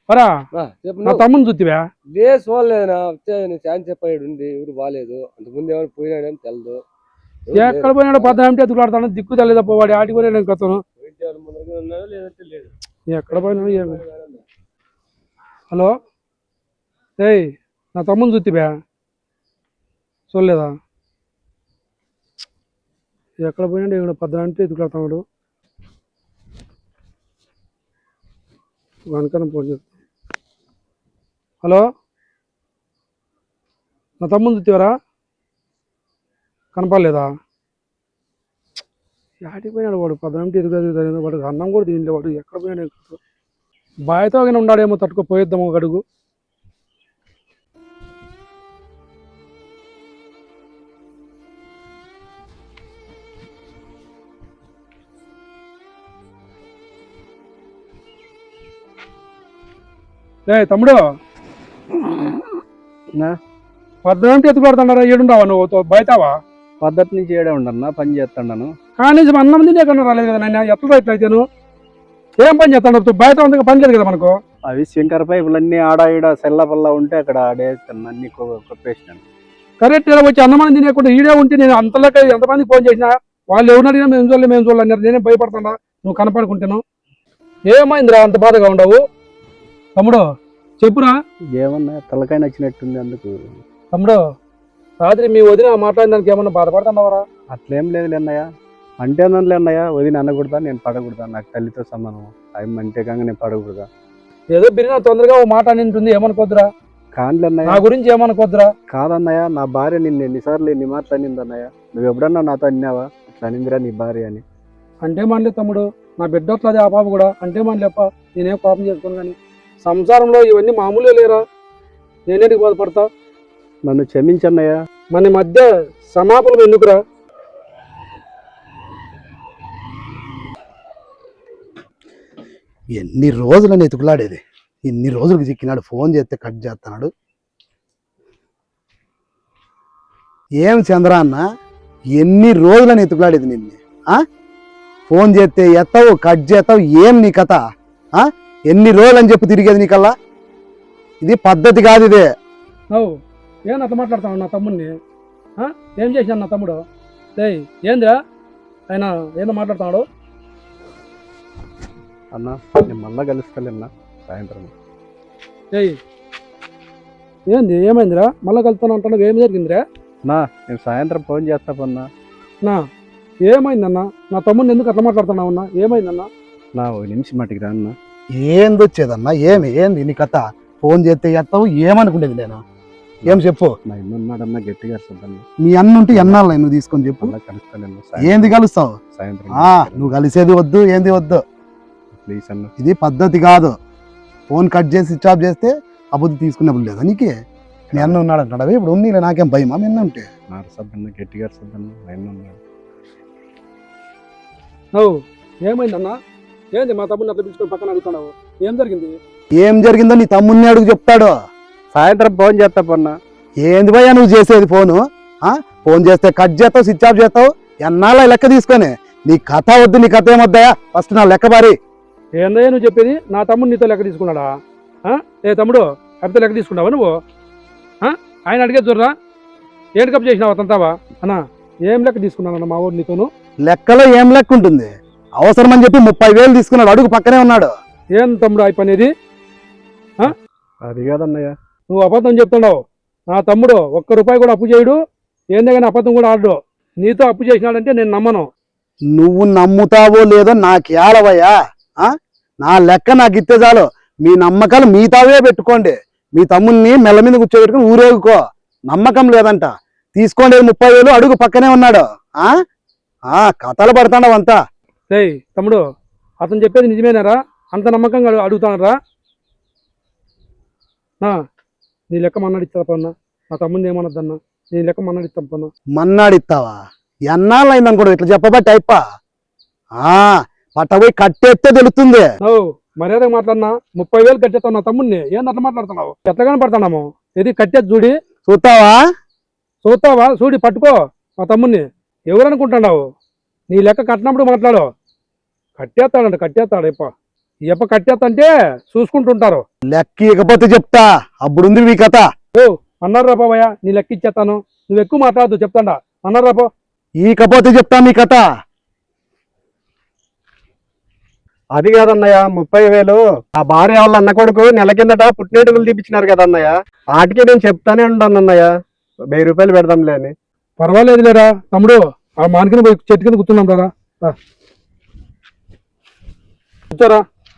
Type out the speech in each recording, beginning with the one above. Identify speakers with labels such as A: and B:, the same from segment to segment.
A: పరా నా తమ్ముని చూతివా?
B: లే చూడలేదునా, ఛాన్స్ చెప్పాడు ఉంది, ఎవరు బాగాలేదు. అంతకుముందు ఎవరు పోయినాడని తెలదు.
A: ఎక్కడ పోయినాడు? పద్దాంటే ఎత్తుకులాడతాను, దిక్కు తెలియదు పోవాడు. ఆటికి పోయినా నేను కొత్తను
B: ఉన్నాడో లేదంటే లేదు.
A: ఎక్కడ పోయినాడు ఏమి? హలో ఏయ్, నా తమ్ముని చూతివా? చూడలేదా? ఎక్కడ పోయినాడు? ఇక్కడ పద్దాంటే ఎత్తుకులాడుతున్నాడు. వెనకనే ఫోన్ చేస్తా. హలో, నా తమ్ముని చూతివరా? కనపడలేదా? ఆటికి పోయినాడు వాడు. పద్దాంటే ఎదుగుతుంది వాడు. అన్నం కూడా తినలే వాడు. ఎక్కడ పోయినాడు? బాయ్తో కానీ ఉన్నాడేమో, తట్టుకోపోయేద్దాము ఒక అడుగు. తమ్ముడు, పద్దాంటే ఎత్తుకులాడుతున్నారా? ఏడుండవా నువ్వు? బయటవా?
B: పద్ధతి నుంచి ఏడే ఉండన్నా, పని చేస్తాను.
A: కానీ అన్నం తినే కన్నా రాలేదు కదా నాయన. ఎట్లా ఇట్లయితేను ఏం పని చేస్తాడు? బయట ఉంది పని లేదు కదా మనకు.
B: అవి శంకర పైపులు అన్ని ఆడ ఈడ సెల్ల పల్ల ఉంటే అక్కడ ఆడేస్తాను, అన్ని కొప్పేసినాను.
A: కరెక్ట్ ఇలా వచ్చి అన్నమని తినేకుండా ఈడే ఉంటే నేను అంతలోకి ఎంతమంది ఫోన్ చేసినా వాళ్ళు ఎవరు అడిగినా మేము చూడాలన్నారు. నేనే భయపడుతున్నా నువ్వు కనపడుకుంటాను. ఏమైందిరా అంత బాధగా ఉండవు? తమ్ముడు చెప్పురా.
B: ఏమన్నా తలకాయ నచ్చినట్టుంది అందుకు.
A: తమ్ముడు, రాత్రి మీ వదిన మాట్లాడినానికి ఏమన్నా బాధపడుతున్నావరా?
B: అట్లేం లేదు అన్నయ్య. అంటే అన్నలే అన్నయ్య, వదిన అనకూడదా, నేను పడకూడదా? నాకు తల్లితో సమానం. అవి అంటే కాక నేను పడకూడదా?
A: ఏదో బిరినా తొందరగా ఓ మాట నింటుంది, ఏమనుకోద్దురా.
B: కాదులే అన్నయ్య,
A: నా గురించి ఏమనుకోద్దురా.
B: కాదన్నయ్య, నా భార్య నిన్ను ఎన్నిసార్లు ఎన్ని మాటలు అనింది అన్నయ్య. నువ్వు ఎప్పుడన్నా నాతో అన్నావా ఇట్లా అనిందిరా నీ భార్య అని?
A: అంటే మనలే తమ్ముడు, నా బిడ్డ వస్తుంది ఆ పాప కూడా. అంటే మనలేప్ప నేనేం పాపం చేసుకోను. కానీ సంసారంలో ఇవన్నీ మామూలే లేరా. నేనేంటికి బాధపడతా?
B: నన్ను క్షమించన్నయ్య.
A: మన మధ్య సమాపనం ఎందుకురా?
C: ఎన్ని రోజులని ఎతుకులాడేది, ఇన్ని రోజులకు చిక్కినాడు. ఫోన్ చేస్తే కట్ చేస్తున్నాడు. ఏం చంద్ర అన్న, ఎన్ని రోజులని ఎతుకులాడేది నిన్ను. ఫోన్ చేస్తే ఎత్తావు, కట్ చేస్తావు. ఏం నీ కథ? ఎన్ని రోజులు అని చెప్పి తిరిగేది నీకల్లా? ఇది పద్ధతి కాదు. ఇదే
A: ఏం అట్లా మాట్లాడుతున్నావు నా తమ్ముడిని? ఏం చేసినా నా తమ్ముడు? ఏందిరా ఆయన ఏదో మాట్లాడుతున్నాడు?
B: అన్నా నేను మళ్ళా కలుస్తాలేనా సాయంత్రం.
A: ఏంది ఏమైందిరా? మళ్ళా కలుస్తాను అంటున్నావు, ఏం జరిగిందిరా?
B: నేను సాయంత్రం ఫోన్ చేస్తా పన్నా.
A: ఏమైందన్నా? నా తమ్ముడిని ఎందుకు అట్లా మాట్లాడుతున్నావు అన్నా? ఏమైందన్నా?
B: ఒక నిమిషం మటుకు రా అన్న.
C: ఏంది వచ్చేదన్నా? ఏంది నీ కథ? ఫోన్ చేస్తే ఎత్తావు, ఏమనుకుండేది నేను? ఏం చెప్పు.
B: నా ఇన్నున్నాడన్నా గట్టిగా అరుస్తుందన్న.
C: మీ అన్న ఉంటే ఎన్నాళ్ళు నువ్వు తీసుకొని చెప్పు. ఏంది కలుస్తావు?
B: సాయంత్రం
C: నువ్వు కలిసేది వద్దు, ఏంది వద్దు.
B: ప్లీజ్ అన్న,
C: ఇది పద్ధతి కాదు. ఫోన్ కట్ చేసి స్విచ్ ఆఫ్ చేస్తే అబద్ధం తీసుకునేప్పుడు లేదా నీకే? మీ అన్న ఉన్నాడు అంటాడు. ఇప్పుడు ఉంది, నాకేం భయమా మీ అన్న ఉంటే?
B: గట్టిగా అరుస్తుందన్న.
A: ఏమైందన్నా? ఏంది మా తమ్ముడిని అట్లా పిలుచుకొని పక్కన అడుగుతున్నావు? ఏం జరిగింది?
C: ఏం జరిగిందో నీ తమ్ముడిని అడుగు, చెప్తాడు.
B: సాయంత్రం ఫోన్ చేస్తా పన్నా.
C: ఏంది భయ్యా నువ్వు చేసేది? ఫోన్ చేస్తే కట్ చేస్తావు, స్విచ్ ఆఫ్ చేస్తావు. ఎన్నాళ్ళ లెక్క తీసుకొని? నీ కథ వద్దు, నీ కథ ఏమొద్దాయా? ఫస్ట్ నా లెక్క బారి.
A: ఏందయ్యా నువ్వు చెప్పేది? నా తమ్ముడు నీతో లెక్క తీసుకున్నాడా? తమ్ముడు అడితే లెక్క తీసుకున్నావా నువ్వు? ఆయన అడిగే చూడరా, ఏడు కప్ చేసినావా తంతావా? అన్నా ఏం లెక్క తీసుకున్నానన్న మా ఊరు నీతోను?
C: లెక్కలో ఏం లెక్క ఉంటుంది? అవసరం అని చెప్పి 30,000 తీసుకున్నాడు, అడుగు పక్కనే ఉన్నాడు.
A: ఏం తమ్ముడు అయిపోయినది?
B: అది కాదన్నయ్య,
A: నువ్వు అబద్ధం చెప్తున్నావు. నా తమ్ముడు ₹1 కూడా అప్పు చేయడు, ఏందే కానీ అబద్ధం కూడా ఆడడు. నీతో అప్పు చేసినాడంటే నేను నమ్మను.
C: నువ్వు నమ్ముతావో లేదో నాకేళవయ్యా. నా లెక్క నాకు ఇస్తే చాలు. మీ నమ్మకాలు మీతావే పెట్టుకోండి. మీ తమ్ముడిని మెల్ల మీద కూర్చోబెట్టుకుని ఊరేగుకో. నమ్మకం లేదంట, తీసుకోండి 30,000, అడుగు పక్కనే ఉన్నాడు. కథలు పడతాండవు అంతా.
A: తమ్ముడు అతను చెప్పేది నిజమేనారా? అంత నమ్మకంగా అడుగుతానరా? నీ లెక్క మన్నాడిస్తా పన్నా. నా తమ్ముడిని ఏమన్నదన్నా? నీ లెక్క మన్నాడిస్తాం పన్నా.
C: మన్నాడిస్తావా? ఎన్నాళ్ళు అయిందని కూడా ఇట్లా చెప్పబట్టి అయిపా. పట్టబోయి కట్టేస్తే తెలుస్తుంది.
A: మర్యాదగా మాట్లాడినా 30,000 కట్టేస్తావు నా తమ్ముడిని. ఏంది అట్లా మాట్లాడుతున్నావు? ఎట్లాగానే పడతాము. ఇది కట్టేది చూడి. చూస్తావా? చూడి పట్టుకో మా తమ్ముడిని. ఎవరనుకుంటున్నావు? నీ లెక్క కట్టినప్పుడు మాట్లాడు. కట్టేస్తాడంట, కట్టేస్తాడు. ఈ అప్ప కట్టేస్తంటే చూసుకుంటుంటారు.
C: లెక్క ఇకపోతే చెప్తా, అప్పుడుంది మీ కథ.
A: ఓ అన్నారు రా బాబయ్య, నీ లెక్క ఇచ్చేస్తాను, నువ్వు ఎక్కువ మాట్లాడదు చెప్తాడా అన్నారు రాపో.
C: ఈకపోతే చెప్తా మీ కథ.
B: అది కాదన్నయ్య, 30,000 ఆ భార్య వాళ్ళ అన్న కొడుకు నెల కిందట పుట్టినట్టుకులు తీపించినారు కదా అన్నయ్య, వాటికి నేను చెప్తానే ఉంటాను అన్నయ్య, 1000 రూపాయలు పెడదాంలే అని.
A: పర్వాలేదు లేరా తమ్ముడు, ఆ మానికిన పోయి చెట్టు కింద కూర్చున్నాం రా. కూర్చోరా,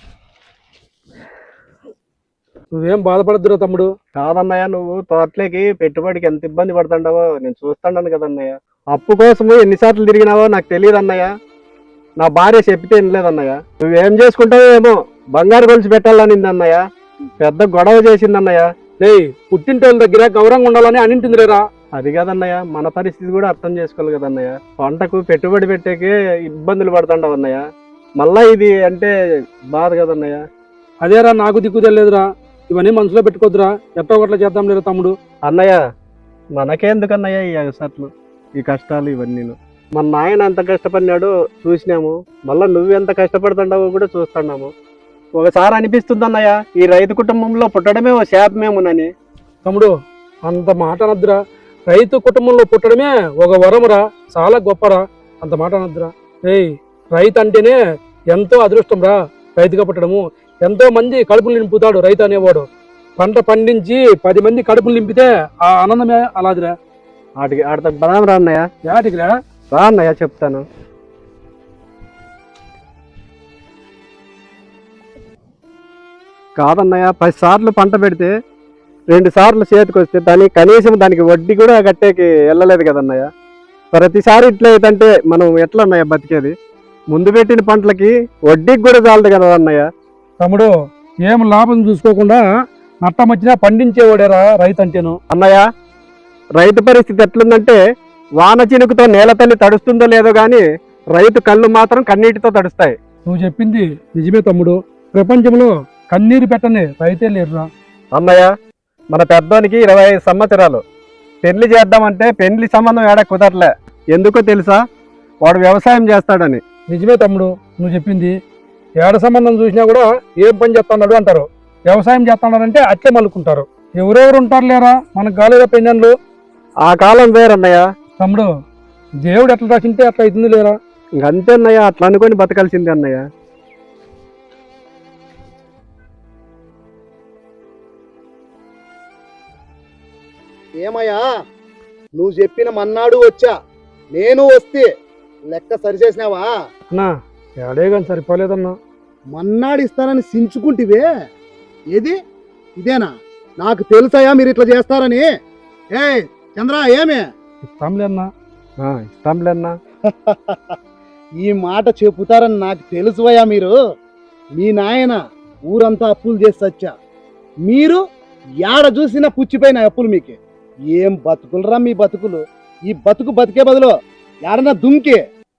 A: నువ్వేం బాధపడద్దురా తమ్ముడు.
B: కాదన్నయ్య, నువ్వు తోటలోకి పెట్టుబడికి ఎంత ఇబ్బంది పడుతుంటావో నేను చూస్తాను కదన్నయ్య. అప్పు కోసము ఎన్నిసార్లు తిరిగినావో నాకు తెలియదు అన్నయ్య. నా భార్య చెప్పితే వినలేదన్నయ్య. నువ్వేం చేసుకుంటావో ఏమో, బంగారు గొలుసు పెట్టాలనింది అన్నయ్య, పెద్ద గొడవ చేసిందన్నయ్య.
A: లేయ్ పుట్టింటోళ్ళ దగ్గర గౌరవంగా ఉండాలని అనింటుంది లేరా.
B: అది కాదన్నయ్య, మన పరిస్థితి కూడా అర్థం చేసుకోవాలి కదన్నయ్య. పంటకు పెట్టుబడి పెట్టేకే ఇబ్బందులు పడుతుండవు అన్నయ్య, మళ్ళా ఇది అంటే బాధ కదన్నయ్య.
A: అదేరా నాకు దిక్కు తెలియదురా, ఇవన్నీ మనసులో పెట్టుకోద్దురా, ఎట్టో ఒకట్లా చేద్దాం లేరా తమ్ముడు.
B: అన్నయ్య మనకెందుకన్నయ్య ఈ అగసట్లు, ఈ కష్టాలు ఇవన్నీ? మన నాయన ఎంత కష్టపడినాడో చూసినాము, మళ్ళీ నువ్వెంత కష్టపడుతుండవో కూడా చూస్తున్నాము. ఒకసారి అనిపిస్తుంది అన్నయ్య, ఈ రైతు కుటుంబంలో పుట్టడమే ఓ శాపమేమోనని.
A: తమ్ముడు అంత మాట అనద్దురా, రైతు కుటుంబంలో పుట్టడమే ఒక వరమురా, చాలా గొప్పరా, అంత మాట అనద్దురా. ఏయ్ రైతు అంటేనే ఎంతో అదృష్టం రా, రైతుగా పుట్టడము. ఎంతో మంది కడుపులు నింపుతాడు రైతు అనేవాడు. పంట పండించి 10 మంది కడుపులు నింపితే ఆ ఆనందమే అలాదిరా.
B: ఆడితో బలం రా అన్నయ్య.
A: యాటికిరా
B: రా అన్నయ్య చెప్తాను. కాదన్నయ్య, 10 సార్లు పంట పెడితే 2 సార్లు చేతికి వస్తే కనీసం దానికి వడ్డీ కూడా కట్టేకి వెళ్ళలేదు కదన్నయ్య. ప్రతిసారి ఇట్లా అయితే మనం ఎట్లా అన్నయ్య బతికేది? ముందు పెట్టిన పంటలకి వడ్డీకి కూడా చాలదు కదా అన్నయ్య.
A: తమ్ముడు ఏం లాభం చూసుకోకుండా నట్టం వచ్చినా పండించేవాడేరా రైతు అంటేను.
B: అన్నయ్య రైతు పరిస్థితి ఎట్లుందంటే, వాన చినుకుతో నేల తల్లి తడుస్తుందో లేదో గాని రైతు కళ్ళు మాత్రం కన్నీటితో తడుస్తాయి.
A: నువ్వు చెప్పింది నిజమే తమ్ముడు, ప్రపంచంలో కన్నీరు పెట్టని రైతే లేరురా.
B: అన్నయ్య మన పెద్దోనికి 25 సంవత్సరాలు, పెళ్లి చేద్దామంటే పెళ్లి సంబంధం ఏడా కుదరలే. ఎందుకో తెలుసా? వాడు వ్యవసాయం చేస్తాడని.
A: నిజమే తమ్ముడు నువ్వు చెప్పింది, ఏడ సంబంధం చూసినా కూడా ఏం పని చేస్తున్నాడు అంటారు, వ్యవసాయం చేస్తున్నాడంటే అట్లే మలుకుంటారు. ఎవరెవరు ఉంటారు లేరా మనకు కాలేదా పెళ్ళన్లు.
B: ఆ కాలం వేరన్నయ్య.
A: తమ్ముడు దేవుడు ఎట్లా రాసింటే అట్లా అవుతుంది లేరా.
B: ఇంకంతే అన్నయ్య, అట్లా అనుకొని బతకాల్సిందే అన్నయ్య.
C: ఏమయ్యా, నువ్వు చెప్పిన మన్నాడు వచ్చా, నేను వస్తే లెక్క సరిచేసినావా?
A: అన్నా ఏడే కానీ సరిపోలేదన్నా.
C: మన్నాడు ఇస్తానని సించుకుంటివే, ఏది ఇదేనా? నాకు తెలుసాయా మీరు ఇట్లా చేస్తారని. ఏ చంద్ర ఏమే
A: ఇస్తాంలే అన్నా.
B: ఇస్తాంలే అన్నా.
C: ఈ మాట చెబుతారని నాకు తెలుసువయ్యా. మీరు మీ నాయన ఊరంతా అప్పులు చేసి వచ్చా, మీరు ఏడ చూసినా పుచ్చిపోయిన అప్పులు. మీకు ఏం బతుకులరా మీ బతుకులు. ఈ బతుకు బతికే బదులు ఏడన్నా దుంకి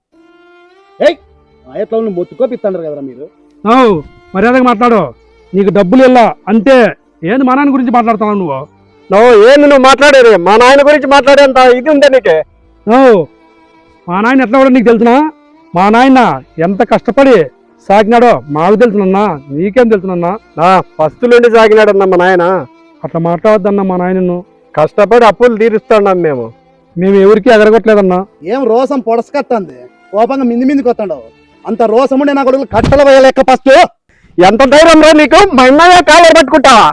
C: ఎట్లా మొత్తుకోపిస్తాండ్రు కదరా మీరు.
A: మర్యాదగా మాట్లాడు, నీకు డబ్బులు వెళ్ళా అంతే. ఏంది మా నాయన గురించి మాట్లాడుతున్నావు నువ్వు?
B: ఏంది నువ్వు మాట్లాడేది? మా నాయన గురించి మాట్లాడేంత ఇది ఉందే నీకే?
A: మా నాయన ఎట్లా కూడా నీకు తెలుసునా? మా నాయన ఎంత కష్టపడి సాగినాడో మాకు తెలుసునన్నా, నీకేం తెలుసునన్నా?
B: ఫస్టులుండి సాగినాడన్నా మా నాయన.
A: అట్లా మాట్లాడద్దన్నా మా నాయనను.
B: కష్టపడి అప్పులు తీరుస్తున్నాం మేము
A: ఎవరికి ఎగరగొట్టలేదన్నా.
C: ఏం రోసం పొడసకత్తంది, కోపంగా మింది మిందికి వస్తాండవు. అంత రోసముండే నా కొడుకులు కట్టలు వేయలేక ఫస్ట్.
B: ఎంత ధైర్యం రా నీకు? మా అన్నయ్య కాలర్ పట్టుకుంటావా?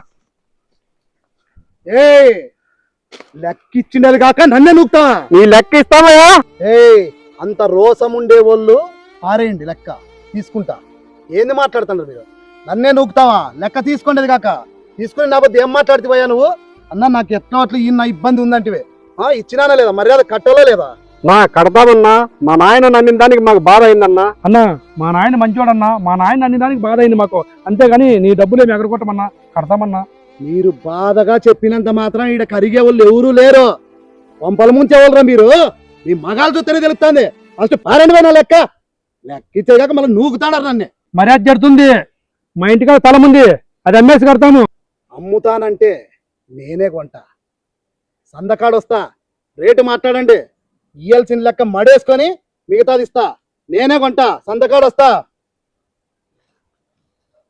C: ఏ లెక్కిచ్చిండేది కాక నన్నే నూకుతావా?
B: నీ లెక్క ఇస్తావా?
C: అంత రోసముండే వాళ్ళు పారేయండి, లెక్క తీసుకుంటా. ఏంది మాట్లాడుతున్నారు మీరు? నన్నే నూకుతావా? లెక్క తీసుకునేది కాక తీసుకుని నా బద్ద ఏం మాట్లాడుతావయ్యా నువ్వు? అన్నా నాకు ఎట్లా అట్లా ఈ నా ఇబ్బంది ఉందంటివే. ఇచ్చినానా లేదా? మర్యాద కట్టాలో లేదా?
B: కడతామన్నా. మా నాయన నన్నిన దానికి మాకు బాధ అయిందన్నా.
A: అన్నా మా నాయన మంచివాడన్నా, మా నాయన అన్ని దానికి బాధ అయింది మాకు, అంతేగాని నీ డబ్బులు ఏమి ఎగరగొట్టమన్నా, కడతామన్నా.
C: మీరు బాధగా చెప్పినంత మాత్రం ఈడ కరిగే వాళ్ళు ఎవరూ లేరు. పంపల ముంచేవాళ్ళరా మీరు. మీ మగాలు చూస్తేనే తెలుస్తుంది. ఫస్ట్ పారండి పోయినా లెక్క ఇచ్చేగాక మళ్ళీ నూకుతాడారు నన్ను.
A: మర్యాద జరుగుతుంది. మా ఇంటికాడ స్థలం ఉంది, అది అమ్మేసి కడతాము.
C: అమ్ముతానంటే నేనే కొంటా, సందకాడు వస్తా, రేటు మాట్లాడండి. ఇయ్యాల్సిన లెక్క మడేసుకొని మిగతాది ఇస్తా. నేనే కొంటా, సందకాడు వస్తా.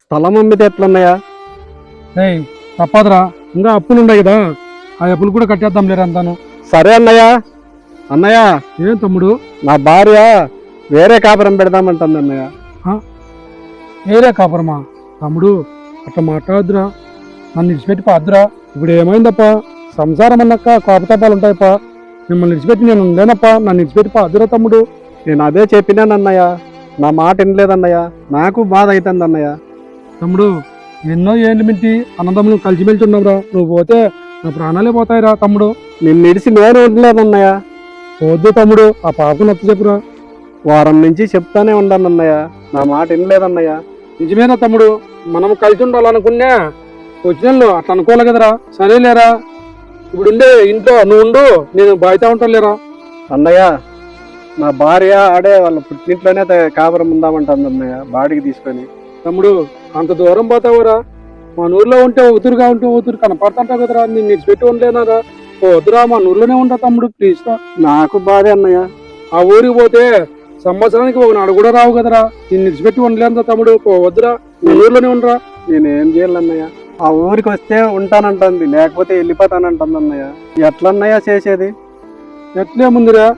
B: స్థలం అమ్మితే ఎట్లన్నయ్య?
A: ఏయ్ తప్పదురా, ఇంకా అప్పులు ఉన్నాయి కదా, ఆ అప్పులు కూడా కట్టేద్దాం లేరా అంతాను.
B: సరే అన్నయ్య. అన్నయ్య,
A: ఏం తమ్ముడు?
B: నా భార్య వేరే కాపురం పెడదామంటుంది అన్నయ్య.
A: ఏరే కాపురమా? తమ్ముడు అట్లా మాట్లాడద్దురా, నన్ను విడిచిపెట్టి పాద్దురా. ఇప్పుడు ఏమైందప్ప, సంసారం అన్నాక కోపతాపాలు ఉంటాయప్ప. మిమ్మల్ని విడిచిపెట్టి నేను ఉండలేనప్ప, నన్ను విడిచిపెట్టి పాద్దురా తమ్ముడు.
B: నేను అదే చెప్పినానన్నయ్య, నా మాట వినలేదన్నయ్య. నాకు బాధ అవుతుంది అన్నయ్య.
A: తమ్ముడు ఎన్నో ఏళ్ళు మింటి అన్నదమ్ములు కలిసిమెలిసి ఉన్నావురా, నువ్వు పోతే నా ప్రాణాలే పోతాయిరా తమ్ముడు.
B: నిన్ను ఇడిసి నేను ఉండలేదన్నయ్య.
A: వద్దు తమ్ముడు, ఆ పాపకు నచ్చ చెప్పురా.
B: వారం నుంచి చెప్తానే ఉన్నానన్నయ్య, నా మాట వినలేదన్నయ్య.
A: నిజమేనా తమ్ముడు, మనం కలిసి ఉండాలనుకున్నా వచ్చిన అట్లా అనుకోవాలి కదరా. సరేలేరా, ఇప్పుడు ఉండే ఇంట్లో నువ్వు ఉండు, నేను బాయ్తా ఉంటాను లేరా.
B: అన్నయ్య, నా భార్య ఆడే వాళ్ళ పుట్టింట్లోనే కాపురం ఉందామంటుంది అన్నయ్య, బాడికి తీసుకొని.
A: తమ్ముడు అంత దూరం పోతావురా, మా ఊర్లో ఉంటే ఊతురుగా ఉంటే ఊతురు కనపడుతుంటావు కదరా, నేను నిడిచిపెట్టి ఉండలేనారా. వద్దురా, మా ఊర్లోనే ఉంటా తమ్ముడు ప్లీజ్ రా.
B: నాకు బాధే అన్నయ్య.
A: ఆ ఊరికి పోతే సంవత్సరానికి ఒక నాడు కూడా రావు కదరా, నేను నిడిచిపెట్టి ఉండలేదా తమ్ముడు. వద్దురా, మా ఊర్లోనే ఉండరా.
B: నేనేం చేయాలన్నయ్య? ఆ ఊరికి వస్తే ఉంటానంటుంది, లేకపోతే వెళ్ళిపోతానంటుంది అన్నయ్య. ఎట్లన్నయ్య చేసేది?
A: ఎట్లే ముందురా.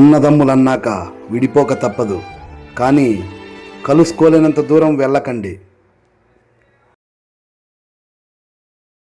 C: అన్నదమ్ములన్నాక విడిపోక తప్పదు, కానీ కలుసుకోలేనంత దూరం వెళ్ళకండి.